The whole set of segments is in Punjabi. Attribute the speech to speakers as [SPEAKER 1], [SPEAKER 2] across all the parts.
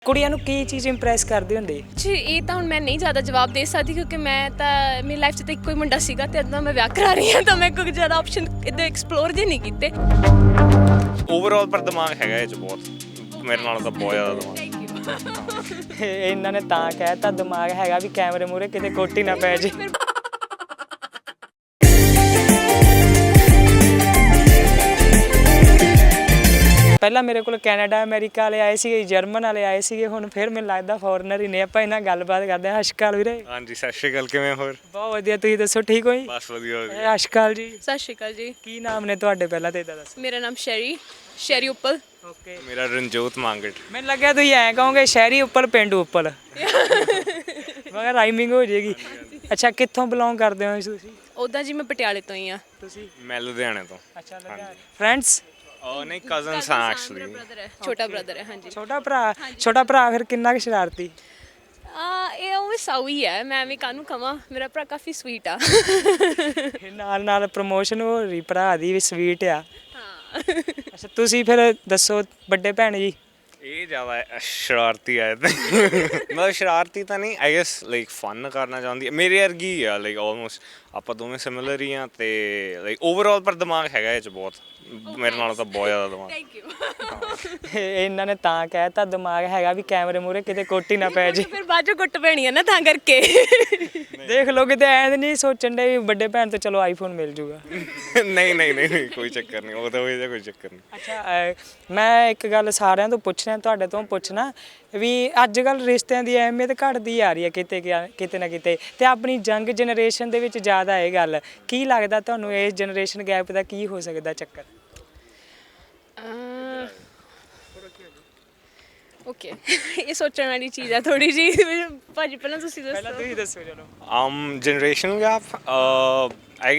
[SPEAKER 1] ਕੁੜੀਆਂ ਨੂੰ ਕੀ ਚੀਜ਼ ਇੰਪ੍ਰੈਸ ਕਰਦੀ ਹੁੰਦੀ?
[SPEAKER 2] ਜੀ ਇਹ ਤਾਂ ਹੁਣ ਮੈਂ ਨਹੀਂ ਜ਼ਿਆਦਾ ਜਵਾਬ ਦੇ ਸਕਦੀ ਕਿਉਂਕਿ ਮੈਂ ਤਾਂ ਮੇਰੀ ਲਾਈਫ 'ਚ ਤਾਂ ਇੱਕੋ ਹੀ ਮੁੰਡਾ ਸੀਗਾ ਤੇ ਅੱਧਾ ਮੈਂ ਵਿਆਹ ਕਰਾ ਰਹੀ ਹਾਂ ਤਾਂ ਮੈਂ ਕੋਈ ਜ਼ਿਆਦਾ ਆਪਸ਼ਨ ਇੱਦਾਂ ਐਕਸਪਲੋਰ ਜੇ ਨਹੀਂ ਕੀਤੇ।
[SPEAKER 3] ਓਵਰਆਲ ਪਰ ਦਿਮਾਗ ਹੈਗਾ ਇਹ 'ਚ ਬਹੁਤ, ਮੇਰੇ ਨਾਲ ਤਾਂ ਬਹੁਤ ਜ਼ਿਆਦਾ ਦਿਮਾਗ।
[SPEAKER 1] ਇਹਨਾਂ ਨੇ ਤਾਂ ਕਹਿਤਾ ਦਿਮਾਗ ਹੈਗਾ ਵੀ ਕੈਮਰੇ ਮੂਹਰੇ ਕਿਤੇ ਕੋਟੀ ਨਾ ਪੈ ਜੇ। ਪਹਿਲਾਂ ਮੇਰੇ ਕੋਲ ਕੈਨੇਡਾ ਅਮਰੀਕਾ ਵਾਲੇ ਆਏ ਸੀਗੇ, ਜਰਮਨ ਵਾਲੇ ਆਏ ਸੀਗੇ, ਹੁਣ ਫਿਰ ਮੈਨੂੰ ਲੱਗਦਾ ਫੋਰਨਰ ਹੀ ਨੇ। ਆਪਾਂ ਇਹਨਾਂ ਗੱਲਬਾਤ ਕਰਦੇ ਹਾਂ। ਸਤਿ ਸ਼੍ਰੀ ਅਕਾਲ ਵੀਰੇ।
[SPEAKER 3] ਹਾਂਜੀ ਸਤਿ ਸ਼੍ਰੀ ਅਕਾਲ, ਕਿਵੇਂ ਹੋਰ?
[SPEAKER 1] ਬਹੁਤ ਵਧੀਆ, ਤੁਸੀਂ ਦੱਸੋ ਠੀਕ ਹੋ ਜੀ?
[SPEAKER 3] ਬਸ ਵਧੀਆ ਵਧੀਆ।
[SPEAKER 1] ਸਤਿ ਸ਼੍ਰੀ ਅਕਾਲ ਜੀ।
[SPEAKER 2] ਸਤਿ ਸ਼੍ਰੀ ਅਕਾਲ ਜੀ।
[SPEAKER 1] ਕੀ ਨਾਮ ਨੇ ਤੁਹਾਡੇ ਪਹਿਲਾਂ ਤੇ ਇੱਦਾਂ ਦੱਸੋ?
[SPEAKER 2] ਮੇਰਾ ਨਾਮ ਸ਼ੈਰੀ ਉੱਪਲ।
[SPEAKER 1] ਓਕੇ,
[SPEAKER 3] ਮੇਰਾ ਰਣਜੋਤ ਮੰਗਟ।
[SPEAKER 1] ਮੈਨੂੰ ਲੱਗਿਆ ਤੁਸੀਂ ਐਂ ਕਹੋਗੇ ਸ਼ਹਿਰੀ ਉੱਪਲ ਪਿੰਡੂ ਉੱਪਲ। ਮਗਰ ਰਾਈਮਿੰਗ ਹੋ ਜਾਏਗੀ। ਅੱਛਾ, ਕਿੱਥੋਂ ਬਿਲੋਂਗ ਕਰਦੇ ਹੋ ਤੁਸੀਂ?
[SPEAKER 2] ਉੱਦਾਂ ਜੀ ਮੈਂ ਪਟਿਆਲੇ ਤੋਂ ਹੀ ਆ।
[SPEAKER 1] ਤੁਸੀਂ?
[SPEAKER 3] ਮੈਂ ਲੁਧਿਆਣੇ ਤੋਂ।
[SPEAKER 1] ਅੱਛਾ, ਫਰੈਂਡਸ?
[SPEAKER 3] ਨਹੀਂ, ਕਜ਼ਨਸ ਹਾਂ ਐਕਚੁਅਲੀ।
[SPEAKER 2] ਛੋਟਾ ਬ੍ਰਦਰ ਹੈ। ਹਾਂਜੀ,
[SPEAKER 1] ਛੋਟਾ ਭਰਾ ਫਿਰ ਕਿੰਨਾ ਕੁ ਸ਼ਰਾਰਤੀ?
[SPEAKER 2] ਇਹ ਉਹ ਸਾਊ ਹੀ ਹੈ, ਮੈਂ ਵੀ ਕਾਹਨੂੰ ਕਵਾਂ, ਮੇਰਾ ਭਰਾ ਕਾਫੀ ਸਵੀਟ ਆ।
[SPEAKER 1] ਨਾਲ ਨਾਲ ਪ੍ਰਮੋਸ਼ਨ ਹੋ ਰਹੀ ਭਰਾ ਦੀ ਵੀ, ਸਵੀਟ ਆ।
[SPEAKER 2] ਹਾਂ।
[SPEAKER 1] ਅੱਛਾ, ਤੁਸੀਂ ਫਿਰ ਦੱਸੋ ਵੱਡੇ ਭੈਣ ਜੀ?
[SPEAKER 3] ਇਹ ਜ਼ਿਆਦਾ ਸ਼ਰਾਰਤੀ ਹੈ ਤੇ ਮਤਲਬ ਸ਼ਰਾਰਤੀ ਤਾਂ ਨਹੀਂ, ਆਈ ਗੈਸ ਲਾਈਕ ਫਨ ਕਰਨਾ ਚਾਹੁੰਦੀ ਹੈ, ਮੇਰੇ ਵਰਗੀ ਆ ਲਾਈਕ ਆਲਮੋਸਟ। ਆਪਾਂ ਦੋਵੇਂ ਸਿਮਿਲਰ ਹੀ ਆ ਤੇ ਲਾਈਕ ਓਵਰਆਲ ਪਰ ਦਿਮਾਗ ਹੈਗਾ ਇਹ 'ਚ ਬਹੁਤ, ਮੇਰੇ ਨਾਲ ਤਾਂ ਬਹੁਤ ਜ਼ਿਆਦਾ ਦਿਮਾਗ।
[SPEAKER 2] Thank you.
[SPEAKER 1] ਇਹਨਾਂ ਨੇ ਤਾਂ ਕਹਿਤਾ ਦਿਮਾਗ ਹੈਗਾ ਵੀ ਕੈਮਰੇ ਮੂਹਰੇ ਕਿਤੇ ਕੋਟੀ ਨਾ ਪੈ ਜੇ।
[SPEAKER 2] ਫਿਰ ਬਾਅਦ ਚੋਂ ਕੁੱਟ ਪੈਣੀ ਹੈ ਨਾ, ਤਾਂ ਕਰਕੇ।
[SPEAKER 1] ਦੇਖ ਲਓ ਕਿਤੇ ਐਂ ਨਹੀਂ ਸੋਚਣ ਦੇ ਵੀ ਵੱਡੇ ਭੈਣ ਤੋਂ ਚਲੋ ਆਈਫੋਨ ਮਿਲ ਜੂਗਾ।
[SPEAKER 3] ਨਹੀਂ ਕੋਈ ਚੱਕਰ ਨਹੀਂ, ਉਹ ਤਾਂ ਉਹਦਾ ਕੋਈ ਚੱਕਰ ਨਹੀਂ।
[SPEAKER 1] ਅੱਛਾ, ਮੈਂ ਇੱਕ ਗੱਲ ਸਾਰਿਆਂ ਤੋਂ ਪੁੱਛਣਾ, ਤੁਹਾਡੇ ਤੋਂ ਪੁੱਛਣਾ ਵੀ ਅੱਜ ਕੱਲ੍ਹ ਰਿਸ਼ਤਿਆਂ ਦੀ ਅਹਿਮੀਅਤ ਘਟਦੀ ਆ ਰਹੀ ਹੈ ਕਿਤੇ ਨਾ ਕਿਤੇ, ਤੇ ਆਪਣੀ ਯੰਗ ਜਨਰੇਸ਼ਨ ਦੇ ਵਿੱਚ ਜ਼ਿਆਦਾ ਇਹ ਗੱਲ। ਕੀ ਲੱਗਦਾ ਤੁਹਾਨੂੰ ਇਸ ਜਨਰੇਸ਼ਨ ਗੈਪ ਦਾ ਕੀ ਹੋ ਸਕਦਾ ਚੱਕਰ?
[SPEAKER 2] ਓਕੇ, ਇਹ ਸੋਚਣ ਵਾਲੀ ਚੀਜ਼ ਆ ਥੋੜੀ ਜੀ। ਭਾਜੀ ਪਹਿਲਾਂ ਤੁਸੀਂ ਦੱਸੋ।
[SPEAKER 1] ਪਹਿਲਾਂ ਤੁਸੀਂ ਦੱਸੋ ਚਲੋ।
[SPEAKER 3] ਜਨਰੇਸ਼ਨ ਗੈਪ ਆਈ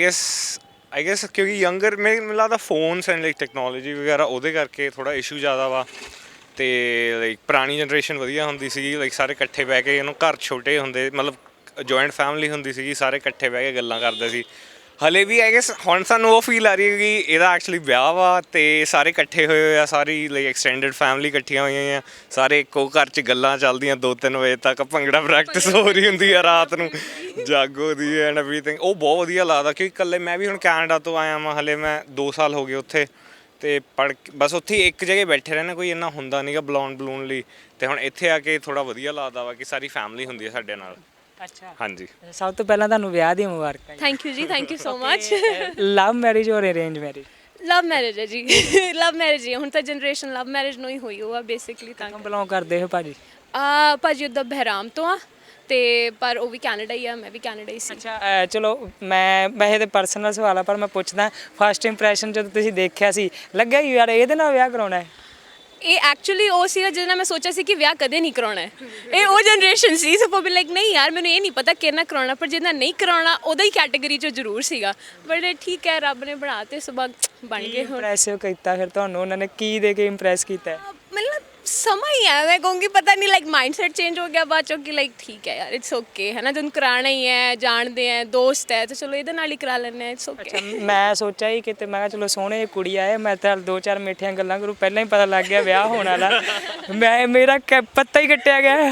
[SPEAKER 3] ਗੈਸ ਕਿਉਂਕਿ ਯੰਗਰ ਮੈਨੂੰ ਲੱਗਦਾ ਫੋਨਸ ਐਂਡ ਲਾਈਕ ਟੈਕਨੋਲੋਜੀ ਵਗੈਰਾ ਉਹਦੇ ਕਰਕੇ ਥੋੜਾ ਇਸ਼ੂ ਜ਼ਿਆਦਾ ਵਾ। ਤੇ ਲਾਈਕ ਪੁਰਾਣੀ ਜਨਰੇਸ਼ਨ ਵਧੀਆ ਹੁੰਦੀ ਸੀਗੀ, ਲਾਈਕ ਸਾਰੇ ਇਕੱਠੇ ਬਹਿ ਕੇ, ਇਹਨੂੰ ਘਰ ਛੋਟੇ ਹੁੰਦੇ, ਮਤਲਬ ਜੁਆਇੰਟ ਫੈਮਿਲੀ ਹੁੰਦੀ ਸੀਗੀ, ਸਾਰੇ ਇਕੱਠੇ ਬਹਿ ਕੇ ਗੱਲਾਂ ਕਰਦੇ ਸੀ। ਹਲੇ ਵੀ ਆਈ ਗੈਸ ਹੁਣ ਸਾਨੂੰ ਉਹ ਫੀਲ ਆ ਰਹੀ ਹੈ ਕਿ ਇਹਦਾ ਐਕਚੁਅਲੀ ਵਿਆਹ ਵਾ ਤੇ ਸਾਰੇ ਇਕੱਠੇ ਹੋਏ ਆ, ਸਾਰੀ ਲਾਈਕ ਐਕਸਟੈਂਡਡ ਫੈਮਿਲੀ ਇਕੱਠੀਆਂ ਹੋਈਆਂ ਆ, ਸਾਰੇ ਇੱਕੋ ਘਰ 'ਚ ਗੱਲਾਂ ਚੱਲਦੀਆਂ 2-3 ਵਜੇ ਤੱਕ, ਭੰਗੜਾ ਪ੍ਰੈਕਟਿਸ ਹੋ ਰਹੀ ਹੁੰਦੀ ਆ ਰਾਤ ਨੂੰ, ਜਾਗੋ ਦੀ ਐਂਡ ਐਵਰੀਥਿੰਗ। ਉਹ ਬਹੁਤ ਵਧੀਆ ਲੱਗਦਾ ਕਿਉਂਕਿ ਇਕੱਲੇ ਮੈਂ ਵੀ ਹੁਣ ਕੈਨੇਡਾ ਤੋਂ ਆਇਆ ਵਾਂ, ਹਲੇ ਮੈਂ 2 ਸਾਲ ਹੋ ਗਏ ਉੱਥੇ, ਤੇ ਬਸ ਉੱਥੇ ਇੱਕ ਜਗ੍ਹਾ ਬੈਠੇ ਰਹਿਣਾ, ਕੋਈ ਇੰਨਾ ਹੁੰਦਾ ਨਹੀਂਗਾ ਬਲੂਨ ਲਈ। ਤੇ ਹੁਣ ਇੱਥੇ ਆ ਕੇ ਥੋੜਾ ਵਧੀਆ ਲੱਗਦਾ ਵਾ ਕਿ ਸਾਰੀ ਫੈਮਿਲੀ ਹੁੰਦੀ ਹੈ ਸਾਡੇ ਨਾਲ।
[SPEAKER 1] ਅੱਛਾ,
[SPEAKER 3] ਹਾਂਜੀ।
[SPEAKER 1] ਸਭ ਤੋਂ ਪਹਿਲਾਂ ਤੁਹਾਨੂੰ ਵਿਆਹ ਦੀਆਂ ਮੁਬਾਰਕਾਂ।
[SPEAKER 2] ਥੈਂਕ ਯੂ ਜੀ, thank you so much.
[SPEAKER 1] Love marriage ਔਰ ਅਰੇਂਜ ਮੈਰਿਜ?
[SPEAKER 2] ਲਵ ਮੈਰਿਜ ਹੈ ਜੀ। ਲਵ ਮੈਰਿਜ ਹੀ ਹੁਣ ਤਾਂ ਜਨਰੇਸ਼ਨ ਲਵ ਮੈਰਿਜ ਨੂੰ ਹੀ ਹੋਈ ਉਹ ਆ ਬੇਸਿਕਲੀ। ਤਾਂ
[SPEAKER 1] ਬਿਲੋਂਗ ਕਰਦੇ ਹੋ ਭਾਜੀ?
[SPEAKER 2] ਭਾਜੀ ਉੱਦਾਂ ਬਹਿਰਾਮ ਤੋਂ ਆ, ਤੇ ਪਰ ਉਹ ਵੀ ਕੈਨੇਡਾ ਹੀ ਆ, ਮੈਂ ਵੀ ਕੈਨੇਡਾ ਹੀ ਸੀ।
[SPEAKER 1] ਅੱਛਾ, ਚਲੋ ਮੈਂ ਵੈਸੇ ਤਾਂ ਪਰਸਨਲ ਸਵਾਲ ਆ ਪਰ ਮੈਂ ਪੁੱਛਦਾ, ਫਸਟ ਇੰਪ੍ਰੈਸ਼ਨ ਜਦੋਂ ਤੁਸੀਂ ਦੇਖਿਆ ਸੀ ਲੱਗਿਆ ਯਾਰ ਇਹਦੇ ਨਾਲ ਵਿਆਹ ਕਰਾਉਣਾ ਹੈ?
[SPEAKER 2] ਇਹ ਐਕਚੁਅਲੀ ਉਹ ਸੀਗਾ ਜਿਹਦੇ ਨਾਲ ਮੈਂ ਸੋਚਿਆ ਸੀ ਕਿ ਵਿਆਹ ਕਦੇ ਨਹੀਂ ਕਰਾਉਣਾ ਹੈ। ਇਹ ਉਹ ਜਨਰੇਸ਼ਨ ਸੀ, ਸੋ ਵੀ ਲਾਈਕ ਨਹੀਂ ਯਾਰ ਮੈਨੂੰ ਇਹ ਨਹੀਂ ਪਤਾ ਕਿਹਨਾਂ ਕਰਾਉਣਾ, ਪਰ ਜਿਹਦਾ ਨਹੀਂ ਕਰਾਉਣਾ ਉਹਦਾ ਹੀ ਕੈਟੇਗਰੀ 'ਚ ਜ਼ਰੂਰ ਸੀਗਾ। ਬਟ ਠੀਕ ਹੈ, ਰੱਬ ਨੇ ਬਣਾ ਤੇ ਸੁਭਾ ਬਣ ਗਏ। ਹੁਣ
[SPEAKER 1] ਇੰਪ੍ਰੈਸਿਵ ਕੀਤਾ ਫਿਰ ਤੁਹਾਨੂੰ ਉਹਨਾਂ ਨੇ, ਕੀ ਦੇ ਕੇ ਇੰਪ੍ਰੈਸ ਕੀਤਾ?
[SPEAKER 2] ਮਤਲਬ ਸਮਾਂ ਹੀ ਹੈ, ਮੈਂ ਕਹੂੰਗੀ ਪਤਾ ਨਹੀਂ ਲਾਈਕ ਮਾਈਂਡ ਸੈਟ ਚੇਂਜ ਹੋ ਗਿਆ ਬਾਅਦ ਚੋਂ ਕਿ ਲਾਈਕ ਠੀਕ ਹੈ ਯਾਰ, ਇਟਸ ਓਕੇ ਹੈ ਨਾ, ਤੈਨੂੰ ਕਰਾਉਣਾ ਹੀ ਹੈ, ਜਾਣਦੇ ਹੈ, ਦੋਸਤ ਹੈ, ਤਾਂ ਚਲੋ ਇਹਦੇ ਨਾਲ ਹੀ ਕਰਾ ਲੈਂਦੇ ਹਾਂ, ਇਟਸ ਓਕੇ।
[SPEAKER 1] ਮੈਂ ਸੋਚਿਆ ਹੀ ਕਿਤੇ, ਮੈਂ ਕਿਹਾ ਚਲੋ ਸੋਹਣੇ ਕੁੜੀ ਆਏ, ਮੈਂ ਤਾਂ 2-4 ਮਿੱਠੀਆਂ ਗੱਲਾਂ ਕਰੂ, ਪਹਿਲਾਂ ਹੀ ਪਤਾ ਲੱਗ ਗਿਆ ਵਿਆਹ ਹੋਣ ਵਾਲਾ। ਮੇਰਾ ਪੱਤਾ ਹੀ ਕੱਟਿਆ ਗਿਆ।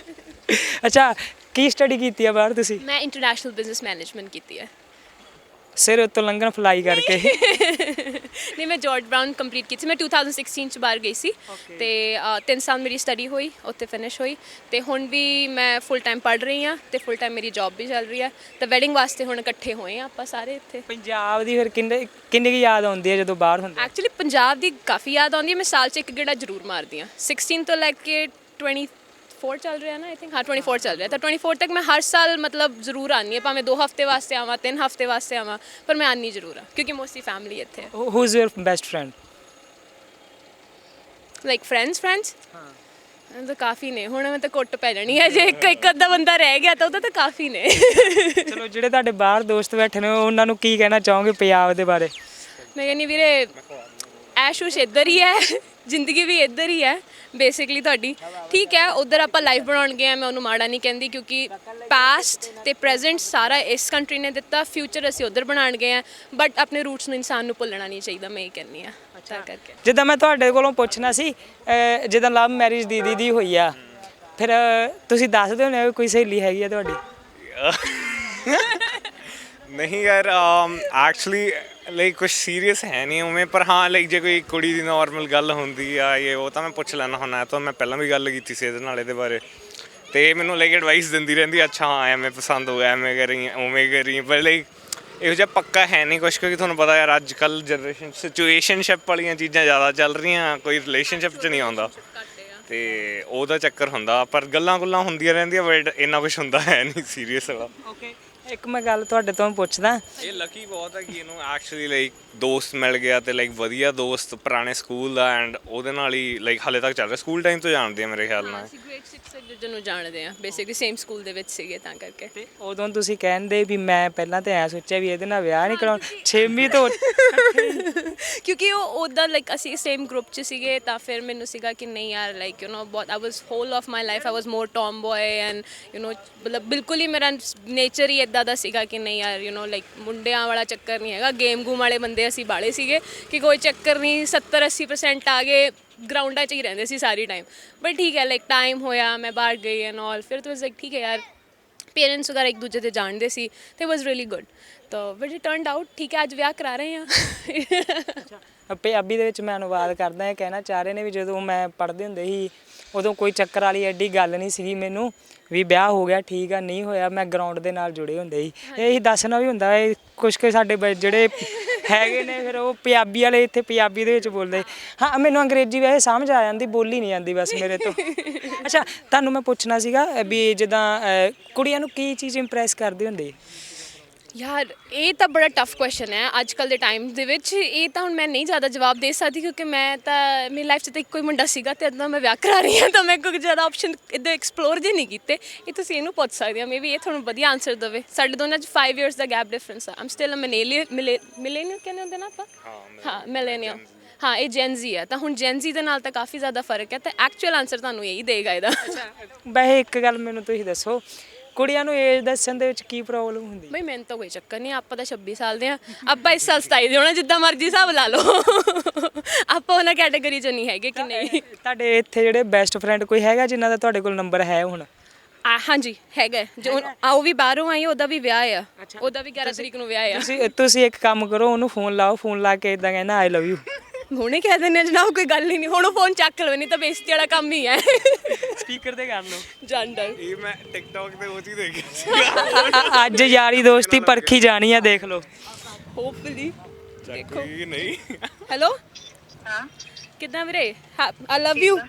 [SPEAKER 1] ਅੱਛਾ, ਕੀ ਸਟੱਡੀ ਕੀਤੀ ਆ ਬਾਹਰ ਤੁਸੀਂ?
[SPEAKER 2] ਮੈਂ ਇੰਟਰਨੈਸ਼ਨਲ ਬਿਜ਼ਨਸ ਮੈਨੇਜਮੈਂਟ ਕੀਤੀ ਹੈ।
[SPEAKER 1] ਸਿਰ ਉੱਤੋਂ ਲੰਘਣ ਫਲਾਈ ਕਰਕੇ?
[SPEAKER 2] ਨਹੀਂ, ਮੈਂ ਜਾਰਜ ਬਰਾਊਨ ਕੰਪਲੀਟ ਕੀਤੀ ਸੀ। ਮੈਂ 2016 ਚ ਬਾਹਰ ਗਈ ਸੀ ਤੇ 3 ਸਾਲ ਮੇਰੀ ਸਟੱਡੀ ਹੋਈ, ਉੱਥੇ ਫਿਨਿਸ਼ ਹੋਈ, ਤੇ ਹੁਣ ਵੀ ਮੈਂ ਫੁੱਲ ਟਾਈਮ ਪੜ੍ਹ ਰਹੀ ਹਾਂ ਤੇ ਫੁੱਲ ਟਾਈਮ ਮੇਰੀ ਜੌਬ ਵੀ ਚੱਲ ਰਹੀ ਹੈ। ਤਾਂ ਵੈਡਿੰਗ ਵਾਸਤੇ ਹੁਣ ਇਕੱਠੇ ਹੋਏ ਆ ਆਪਾਂ ਸਾਰੇ ਇੱਥੇ।
[SPEAKER 1] ਪੰਜਾਬ ਦੀ ਫਿਰ ਕਿੰਨੀ ਕੁ ਯਾਦ ਆਉਂਦੀ ਹੈ ਜਦੋਂ ਬਾਹਰ ਹੁੰਦੇ?
[SPEAKER 2] ਐਕਚੁਅਲੀ ਪੰਜਾਬ ਦੀ ਕਾਫੀ ਯਾਦ ਆਉਂਦੀ ਹੈ। ਮੈਂ ਸਾਲ 'ਚ ਇੱਕ ਗੇੜਾ ਜ਼ਰੂਰ ਮਾਰਦੀ ਹਾਂ। 16 ਤੋਂ ਲੈ ਕੇ 24 ਚੱਲ ਰਿਹਾ ਨਾ, ਆਈ ਥਿੰਕ। ਹਾਂ, 24 ਚੱਲ ਰਿਹਾ, ਤਾਂ 24 ਤੱਕ ਮੈਂ ਹਰ ਸਾਲ ਮਤਲਬ ਜ਼ਰੂਰ ਆਉਂਦੀ ਹਾਂ, ਭਾਵੇਂ 2 ਹਫ਼ਤੇ ਵਾਸਤੇ ਆਵਾਂ, 3 ਹਫ਼ਤੇ ਵਾਸਤੇ ਆਵਾਂ, ਪਰ ਮੈਂ ਆਉਂਦੀ ਜ਼ਰੂਰ ਹਾਂ ਕਿਉਂਕਿ ਮੋਸਟਲੀ ਫੈਮਿਲੀ ਇੱਥੇ ਹੈ।
[SPEAKER 1] Who is your best friend?
[SPEAKER 2] Like friends? ਹਾਂ, ਤਾਂ ਕਾਫੀ ਨੇ। ਹੁਣ ਮੈਂ ਤਾਂ ਕੁੱਟ ਪੈ ਜਾਣੀ ਹੈ ਜੇ ਇੱਕ ਅੱਧਾ ਬੰਦਾ ਰਹਿ ਗਿਆ ਤਾਂ ਉਹਦਾ ਤਾਂ ਕਾਫੀ ਨੇ।
[SPEAKER 1] ਚਲੋ, ਜਿਹੜੇ ਤੁਹਾਡੇ ਬਾਹਰ ਦੋਸਤ ਬੈਠੇ ਨੇ ਉਹਨਾਂ ਨੂੰ ਕੀ ਕਹਿਣਾ ਚਾਹੋਗੇ ਪੰਜਾਬ ਦੇ ਬਾਰੇ?
[SPEAKER 2] ਮੈਂ ਕਹਿੰਦੀ ਵੀਰੇ ਐਸ਼ ਉਸ਼ ਇੱਧਰ ਹੀ ਹੈ, ਜ਼ਿੰਦਗੀ ਵੀ ਇੱਧਰ ਹੀ ਹੈ ਬੇਸਿਕਲੀ ਤੁਹਾਡੀ। ਠੀਕ ਹੈ, ਉੱਧਰ ਆਪਾਂ ਲਾਈਫ ਬਣਾਉਣ ਗਏ ਆ, ਮੈਂ ਉਹਨੂੰ ਮਾੜਾ ਨਹੀਂ ਕਹਿੰਦੀ, ਕਿਉਂਕਿ ਪਾਸਟ ਤੇ ਪ੍ਰੈਜ਼ੈਂਟ ਸਾਰਾ ਇਸ ਕੰਟਰੀ ਨੇ ਦਿੱਤਾ, ਫਿਊਚਰ ਅਸੀਂ ਉੱਧਰ ਬਣਾਉਣ ਗਏ ਆ, ਬਟ ਆਪਣੇ ਰੂਟਸ ਨੂੰ ਇਨਸਾਨ ਨੂੰ ਭੁੱਲਣਾ ਨਹੀਂ ਚਾਹੀਦਾ, ਮੈਂ ਇਹ ਕਹਿੰਦੀ ਆ ਤਾਂ ਕਰਕੇ।
[SPEAKER 1] ਜਿੱਦਾਂ ਮੈਂ ਤੁਹਾਡੇ ਕੋਲੋਂ ਪੁੱਛਣਾ ਸੀ, ਜਿੱਦਾਂ ਲਵ ਮੈਰਿਜ ਦੀਦੀ ਦੀ ਹੋਈ ਆ, ਫਿਰ ਤੁਸੀਂ ਦੱਸਦੇ ਹੋਣੇ ਵੀ ਕੋਈ ਸਹੇਲੀ ਹੈਗੀ ਆ ਤੁਹਾਡੀ?
[SPEAKER 3] ਨਹੀਂ ਯਾਰ, ਐਕਚੁਅਲੀ ਲਾਈਕ ਕੁਝ ਸੀਰੀਅਸ ਹੈ ਨਹੀਂ ਉਵੇਂ, ਪਰ ਹਾਂ ਲਾਈਕ ਜੇ ਕੋਈ ਕੁੜੀ ਦੀ ਨਾਰਮਲ ਗੱਲ ਹੁੰਦੀ ਆ ਇਹ ਉਹ ਤਾਂ ਮੈਂ ਪੁੱਛ ਲੈਣਾ ਹੁੰਦਾ। ਤਾਂ ਮੈਂ ਪਹਿਲਾਂ ਵੀ ਗੱਲ ਕੀਤੀ ਸੀ ਇਹਦੇ ਨਾਲ, ਇਹਦੇ ਬਾਰੇ, ਤੇ ਮੈਨੂੰ ਲਾਈਕ ਐਡਵਾਈਸ ਦਿੰਦੀ ਰਹਿੰਦੀ, ਅੱਛਾ ਹਾਂ ਐਵੇਂ ਪਸੰਦ ਹੋ ਗਿਆ, ਐਵੇਂ ਕਰੀ ਉਵੇਂ ਕਰੀ, ਪਰ ਲਾਈਕ ਇਹੋ ਜਿਹਾ ਪੱਕਾ ਹੈ ਨਹੀਂ ਕੁਛ, ਕਿਉਂਕਿ ਤੁਹਾਨੂੰ ਪਤਾ ਯਾਰ ਅੱਜ ਕੱਲ੍ਹ ਜਨਰੇਸ਼ਨ ਸਿਚੁਏਸ਼ਨਸ਼ਿਪ ਵਾਲੀਆਂ ਚੀਜ਼ਾਂ ਜ਼ਿਆਦਾ ਚੱਲ ਰਹੀਆਂ, ਕੋਈ ਰਿਲੇਸ਼ਨਸ਼ਿਪ 'ਚ ਨਹੀਂ ਆਉਂਦਾ, ਤੇ ਉਹਦਾ ਚੱਕਰ ਹੁੰਦਾ, ਪਰ ਗੱਲਾਂ ਗੁੱਲਾਂ ਹੁੰਦੀਆਂ ਰਹਿੰਦੀਆਂ, ਬਟ ਇੰਨਾ ਕੁਛ ਹੁੰਦਾ ਹੈ ਨਹੀਂ ਸੀਰੀਅਸ ਵਾਲਾ।
[SPEAKER 1] ਓਕੇ, ਇੱਕ ਮੈਂ ਗੱਲ ਤੁਹਾਡੇ ਤੋਂ ਪੁੱਛਦਾ,
[SPEAKER 3] ਇਹ ਲੱਕੀ ਬਹੁਤ ਹੈ ਕਿ ਇਹਨੂੰ ਐਕਚੁਅਲੀ ਲਾਈਕ ਦੋਸਤ ਮਿਲ ਗਿਆ, ਤੇ ਲਾਈਕ ਵਧੀਆ ਦੋਸਤ ਪੁਰਾਣੇ ਸਕੂਲ ਦਾ, ਐਂਡ ਉਹਦੇ ਨਾਲ ਹੀ ਲਾਈਕ ਹਾਲੇ ਤੱਕ ਚੱਲ ਰਿਹਾ, ਸਕੂਲ ਟਾਈਮ ਤੋਂ ਜਾਣਦੇ ਆ ਮੇਰੇ ਖਿਆਲ ਨਾਲ।
[SPEAKER 2] ਅਸੀਂ ਗ੍ਰੇਡ 6 ਤੱਕ ਦੂਜੇ ਨੂੰ ਜਾਣਦੇ ਆ, ਬੇਸਿਕਲੀ ਸੇਮ ਸਕੂਲ ਦੇ ਵਿੱਚ ਸੀਗੇ ਤਾਂ ਕਰਕੇ।
[SPEAKER 1] ਤੇ ਉਦੋਂ ਤੁਸੀਂ ਕਹਿੰਦੇ ਵੀ ਮੈਂ ਪਹਿਲਾਂ ਤਾਂ ਐ ਸੋਚਿਆ ਵੀ ਇਹਦੇ ਨਾਲ ਵਿਆਹ ਨਹੀਂ ਕਰਾਉਣਾ, 6ਵੀਂ ਤੋਂ
[SPEAKER 2] ਕਿਉਂਕਿ ਉਹ ਉੱਦਾਂ ਲਾਈਕ ਅਸੀਂ ਸੇਮ ਗਰੁੱਪ 'ਚ ਸੀਗੇ, ਤਾਂ ਫਿਰ ਮੈਨੂੰ ਸੀਗਾ ਕਿ ਨਹੀਂ ਯਾਰ ਲਾਈਕ ਬਹੁਤ I was whole of my life I was more tomboy and ਮਤਲਬ ਬਿਲਕੁਲ ਹੀ ਮੇਰਾ ਨੇਚਰ ਹੀ ਇੱਦਾਂ ਦਾ ਸੀਗਾ ਕਿ ਨਹੀਂ ਯਾਰ ਲਾਈਕ ਮੁੰਡਿਆਂ ਵਾਲਾ ਚੱਕਰ ਨਹੀਂ ਹੈਗਾ, ਗੇਮ ਗੂਮ ਵਾਲੇ ਬੰਦੇ ਅਸੀਂ ਬਾਲੇ ਸੀਗੇ ਕਿ ਕੋਈ ਚੱਕਰ ਨਹੀਂ, 70-80% ਆ ਗਏ, ਗਰਾਊਂਡਾਂ 'ਚ ਹੀ ਰਹਿੰਦੇ ਸੀ ਸਾਰੀ ਟਾਈਮ। ਬਟ ਠੀਕ ਹੈ, ਲਾਈਕ ਟਾਈਮ ਹੋਇਆ, ਮੈਂ ਬਾਹਰ ਗਈ ਐਂਡ ਆਲ, ਫਿਰ ਤਾਂ ਵਾਸ ਲਾਈਕ ਠੀਕ ਹੈ ਯਾਰ, ਪੇਰੈਂਟਸ ਵਗੈਰਾ ਇੱਕ ਦੂਜੇ 'ਤੇ ਜਾਣਦੇ ਸੀ, ਤੇ ਵਾਸ ਰੀਅਲੀ ਗੁੱਡ, ਤਾਂ ਬਟ ਇਟ ਟਰਨਡ ਆਊਟ ਠੀਕ ਹੈ, ਅੱਜ ਵਿਆਹ ਕਰਾ ਰਹੇ ਹਾਂ।
[SPEAKER 1] ਪੰਜਾਬੀ ਦੇ ਵਿੱਚ ਮੈਂ ਅਨੁਵਾਦ ਕਰਦਾ, ਇਹ ਕਹਿਣਾ ਚਾਹ ਰਹੇ ਨੇ ਵੀ ਜਦੋਂ ਮੈਂ ਪੜ੍ਹਦੇ ਹੁੰਦੇ ਸੀ ਉਦੋਂ ਕੋਈ ਚੱਕਰ ਵਾਲੀ ਐਡੀ ਗੱਲ ਨਹੀਂ ਸੀਗੀ ਮੈਨੂੰ, ਵੀ ਵਿਆਹ ਹੋ ਗਿਆ ਠੀਕ ਆ, ਨਹੀਂ ਹੋਇਆ ਮੈਂ ਗਰਾਊਂਡ ਦੇ ਨਾਲ ਜੁੜੇ ਹੁੰਦੇ ਸੀ, ਇਹੀ ਦੱਸਣਾ ਵੀ ਹੁੰਦਾ ਹੈ। ਕੁਛ ਕੁ ਸਾਡੇ ਜਿਹੜੇ ਹੈਗੇ ਨੇ ਫਿਰ ਉਹ ਪੰਜਾਬੀ ਵਾਲੇ ਇੱਥੇ ਪੰਜਾਬੀ ਦੇ ਵਿੱਚ ਬੋਲਦੇ, ਹਾਂ ਮੈਨੂੰ ਅੰਗਰੇਜ਼ੀ ਵੈਸੇ ਸਮਝ ਆ ਜਾਂਦੀ, ਬੋਲੀ ਨਹੀਂ ਜਾਂਦੀ ਬਸ ਮੇਰੇ ਤੋਂ। ਅੱਛਾ, ਤੁਹਾਨੂੰ ਮੈਂ ਪੁੱਛਣਾ ਸੀਗਾ ਵੀ ਜਿੱਦਾਂ ਕੁੜੀਆਂ ਨੂੰ ਕੀ ਚੀਜ਼ ਇੰਪ੍ਰੈਸ ਕਰਦੀ ਹੁੰਦੀ?
[SPEAKER 2] ਯਾਰ ਇਹ ਤਾਂ ਬੜਾ ਟਫ ਕੁਐਸਚਨ ਹੈ ਅੱਜ ਕੱਲ੍ਹ ਦੇ ਟਾਈਮ ਦੇ ਵਿੱਚ, ਇਹ ਤਾਂ ਹੁਣ ਮੈਂ ਨਹੀਂ ਜ਼ਿਆਦਾ ਜਵਾਬ ਦੇ ਸਕਦੀ, ਕਿਉਂਕਿ ਮੈਂ ਤਾਂ ਮੇਰੀ ਲਾਈਫ 'ਚ ਤਾਂ ਇੱਕੋ ਹੀ ਮੁੰਡਾ ਸੀਗਾ, ਅਤੇ ਇੱਦਾਂ ਮੈਂ ਵਿਆਹ ਕਰਾ ਰਹੀ ਹਾਂ, ਤਾਂ ਮੈਂ ਕੋਈ ਜ਼ਿਆਦਾ ਆਪਸ਼ਨ ਇੱਦਾਂ ਐਕਸਪਲੋਰ ਜੇ ਨਹੀਂ ਕੀਤੇ। ਇਹ ਤੁਸੀਂ ਇਹਨੂੰ ਪੁੱਛ ਸਕਦੇ ਹੋ, ਮੇ ਵੀ ਇਹ ਤੁਹਾਨੂੰ ਵਧੀਆ ਆਨਸਰ ਦੇਵੇ। ਸਾਡੇ ਦੋਨਾਂ 'ਚ 5 years ਦਾ ਗੈਪ ਡਿਫਰੈਂਸ ਆ, ਆਮ ਸਟਿਲ ਅ ਮਿਲੇਨੀਅਲ ਕਹਿੰਦੇ ਹੁੰਦੇ ਨਾ ਆਪਾਂ, ਹਾਂ ਮਿਲੇਨੀਅਲ, ਹਾਂ ਇਹ ਜੈਨਜ਼ੀ ਆ, ਤਾਂ ਹੁਣ ਜੈਨਜ਼ੀ ਦੇ ਨਾਲ ਤਾਂ ਕਾਫੀ ਜ਼ਿਆਦਾ ਫਰਕ ਹੈ, ਤਾਂ ਐਕਚੁਅਲ ਆਨਸਰ ਤੁਹਾਨੂੰ ਇਹੀ ਦੇਗਾ ਇਹਦਾ।
[SPEAKER 1] ਵੈਸੇ ਇੱਕ ਗੱਲ ਮੈਨੂੰ ਤੁਸੀਂ ਦੱਸੋ, ਕੁੜੀਆਂ ਨੂੰ ਏਜ ਦੱਸਣ ਦੇ ਵਿੱਚ ਕੀ ਪ੍ਰੋਬਲਮ ਹੁੰਦੀ?
[SPEAKER 2] ਬਈ ਮੈਨੂੰ ਤਾਂ ਕੋਈ ਚੱਕਰ ਨਹੀਂ, ਆਪਾਂ ਤਾਂ 26 ਸਾਲ ਦੇ ਆ, ਆਪਾਂ ਇਸ ਸਾਲ 27 ਦੇ ਹੋਣਾ, ਜਿੱਦਾਂ ਮਰਜ਼ੀ ਹਿਸਾਬ ਲਾ ਲਓ, ਆਪਾਂ ਉਹਨਾਂ ਕੈਟਾਗਰੀ 'ਚ ਨਹੀਂ ਹੈਗੇ ਕਿ ਨਹੀਂ।
[SPEAKER 1] ਤੁਹਾਡੇ ਇੱਥੇ ਜਿਹੜੇ ਬੈਸਟ ਫਰੈਂਡ ਕੋਈ ਹੈਗਾ ਜਿਨ੍ਹਾਂ ਦਾ ਤੁਹਾਡੇ ਕੋਲ ਨੰਬਰ ਹੈ ਹੁਣ?
[SPEAKER 2] ਹਾਂਜੀ ਹੈਗਾ, ਜੋ ਉਹ ਵੀ ਬਾਹਰੋਂ ਆਈ, ਉਹਦਾ ਵੀ ਵਿਆਹ ਆ, ਉਹਦਾ ਵੀ 11 ਤਰੀਕ ਨੂੰ ਵਿਆਹ ਆ।
[SPEAKER 1] ਤੁਸੀਂ ਇੱਕ ਕੰਮ ਕਰੋ, ਉਹਨੂੰ ਫੋਨ ਲਾਓ, ਫੋਨ ਲਾ ਕੇ ਇਦਾਂ ਕਹਿਣਾ ਆਈ ਲਵ ਯੂ।
[SPEAKER 2] ਹੁਣੇ ਕਹਿ ਦਿੰਦੇ ਜਨਾਬ, ਕੋਈ ਗੱਲ ਹੀ ਨਹੀਂ, ਹੁਣ ਉਹ ਫੋਨ ਚੱਕ ਲਵੇ, ਨਹੀਂ ਤਾਂ ਬੇਇੱਜ਼ਤੀ ਵਾਲਾ ਕੰਮ ਹੀ ਹੈ।
[SPEAKER 1] ਸਪੀਕਰ ਤੇ ਕਰ ਲਓ।
[SPEAKER 2] ਜੰਡਰ
[SPEAKER 3] ਇਹ ਮੈਂ ਟਿਕਟੌਕ ਤੇ ਉਹ ਚੀਜ਼ ਦੇਖੀ ਸੀ,
[SPEAKER 1] ਅੱਜ ਯਾਰੀ ਦੋਸਤੀ ਪਰਖੀ ਜਾਣੀ ਆ, ਦੇਖ ਲਓ।
[SPEAKER 2] ਹੋਪਫੁਲੀ ਦੇਖੋ।
[SPEAKER 3] ਨਹੀਂ
[SPEAKER 2] ਹੈਲੋ, ਹਾਂ ਕਿੱਦਾਂ ਵੀਰੇ? ਆਈ ਲਵ ਯੂ,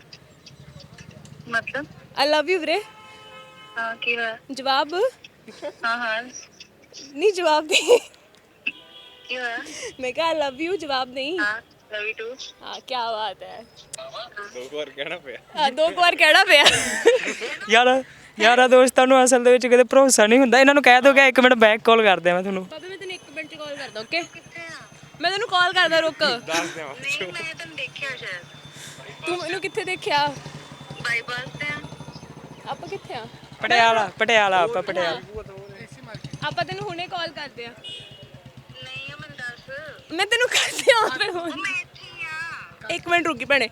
[SPEAKER 4] मतलब
[SPEAKER 2] ਆਈ ਲਵ ਯੂ ਵੀਰੇ।
[SPEAKER 4] हाँ की है
[SPEAKER 2] ਜਵਾਬ
[SPEAKER 4] हाँ हाँ
[SPEAKER 2] ਨਹੀਂ, ਜਵਾਬ ਨਹੀਂ,
[SPEAKER 4] की है
[SPEAKER 2] ਮੈਂ ਕਿਹਾ ਆਈ ਲਵ ਯੂ, ਜਵਾਬ ਨਹੀਂ।
[SPEAKER 4] हाँ लव यू टू
[SPEAKER 2] ਹਾਂ ਕੀ ਬਾਤ ਹੈ,
[SPEAKER 3] ਦੋ ਵਾਰ ਕਹਿਣਾ ਪਿਆ।
[SPEAKER 2] ਹਾਂ 2 ਵਾਰ ਕਹਿਣਾ ਪਿਆ।
[SPEAKER 1] ਯਾਰਾਂ ਦੋਸਤਾਂ ਨੂੰ ਅਸਲ ਦੇ ਵਿੱਚ ਕਦੇ ਭਰੋਸਾ ਨਹੀਂ ਹੁੰਦਾ। ਇਹਨਾਂ ਨੂੰ ਕਹਿ ਦੋ ਕਿ 1 ਮਿੰਟ ਬੈਕ ਕਾਲ ਕਰਦੇ ਆ ਮੈਂ ਤੁਹਾਨੂੰ।
[SPEAKER 2] ਬਾਬੇ ਮੈਂ ਤੈਨੂੰ 1 ਮਿੰਟ 'ਚ ਕਾਲ ਕਰਦਾ, ਓਕੇ? ਮੈਂ ਤੈਨੂੰ ਕਾਲ ਕਰਦਾ, ਰੁਕ।
[SPEAKER 3] ਦੱਸ ਦਿਆਂ
[SPEAKER 4] नहीं मैंने तुम देखा शायद
[SPEAKER 2] ਤੂੰ ਮੈਨੂੰ ਕਿੱਥੇ ਦੇਖਿਆ?
[SPEAKER 4] बाईपास पे
[SPEAKER 2] ਆਪਾਂ ਕਿੱਥੇ ਆ?
[SPEAKER 1] ਪਟਿਆਲਾ ਆਪਾਂ ਪਟਿਆਲਾ।
[SPEAKER 2] ਆਪਾਂ ਤੈਨੂੰ ਹੁਣੇ ਕਾਲ ਕਰਦੇ ਆ।
[SPEAKER 4] नहीं है मैं दस
[SPEAKER 2] ਮੈਂ ਤੈਨੂੰ ਕਰਦੇ ਆ ਫਿਰ ਹੁਣ।
[SPEAKER 4] मैं इतनी हां
[SPEAKER 2] 1 ਮਿੰਟ ਰੁਕੀ ਭੈਣੇ।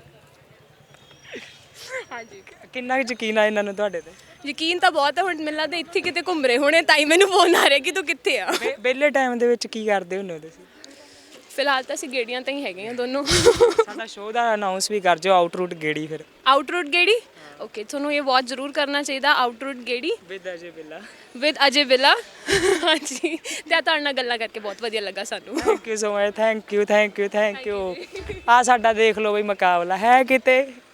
[SPEAKER 2] ਹਾਂਜੀ,
[SPEAKER 1] ਕਿੰਨਾ ਕੁ ਯਕੀਨ ਆ ਇਹਨਾਂ ਨੂੰ ਤੁਹਾਡੇ ਤੇ?
[SPEAKER 2] ਯਕੀਨ ਤਾਂ ਬਹੁਤ ਹੈ, ਹੁਣ ਮੈਨੂੰ ਲੱਗਦਾ ਇੱਥੇ ਕਿਤੇ ਘੁੰਮ ਰਹੇ ਹੋਣੇ, ਤਾਂ ਹੀ ਮੈਨੂੰ ਫੋਨ ਆ ਰਿਹਾ ਕਿ ਤੂੰ ਕਿੱਥੇ ਆ।
[SPEAKER 1] ਵਿਹਲੇ ਟਾਈਮ ਦੇ ਵਿੱਚ ਕੀ ਕਰਦੇ ਹੁੰਦੇ ਹੋ ਤੁਸੀਂ?
[SPEAKER 2] ਫਿਲਹਾਲ ਤਾਂ ਅਸੀਂ ਗੇੜੀਆਂ ਤਾਂ ਹੀ ਹੈਗੇ ਆ ਦੋਨੋਂ।
[SPEAKER 1] ਸਾਡਾ ਸ਼ੋਅ ਦਾ ਅਨਾਉਂਸ ਵੀ ਕਰ ਜੋ, ਆਊਟਰੂਟ ਗੇੜੀ। ਫਿਰ
[SPEAKER 2] ਆਊਟਰੂਟ ਗੇੜੀ, ਓਕੇ, ਤੁਹਾਨੂੰ ਇਹ ਵਾਚ ਜ਼ਰੂਰ ਕਰਨਾ ਚਾਹੀਦਾ, ਆਊਟਰੂਟ ਗੇੜੀ
[SPEAKER 1] ਵਿਦ ਅਜੇ ਬਿੱਲਾ।
[SPEAKER 2] ਵਿਦ ਅਜੇ ਬਿੱਲਾ। ਹਾਂਜੀ, ਤੇ ਤੁਹਾਡੇ ਨਾਲ ਗੱਲਾਂ ਕਰਕੇ ਬਹੁਤ ਵਧੀਆ ਲੱਗਾ ਸਾਨੂੰ।
[SPEAKER 1] Thank you so much, thank you. ਆ ਸਾਡਾ ਦੇਖ ਲਓ ਬਈ ਮੁਕਾਬਲਾ ਹੈ ਕਿਤੇ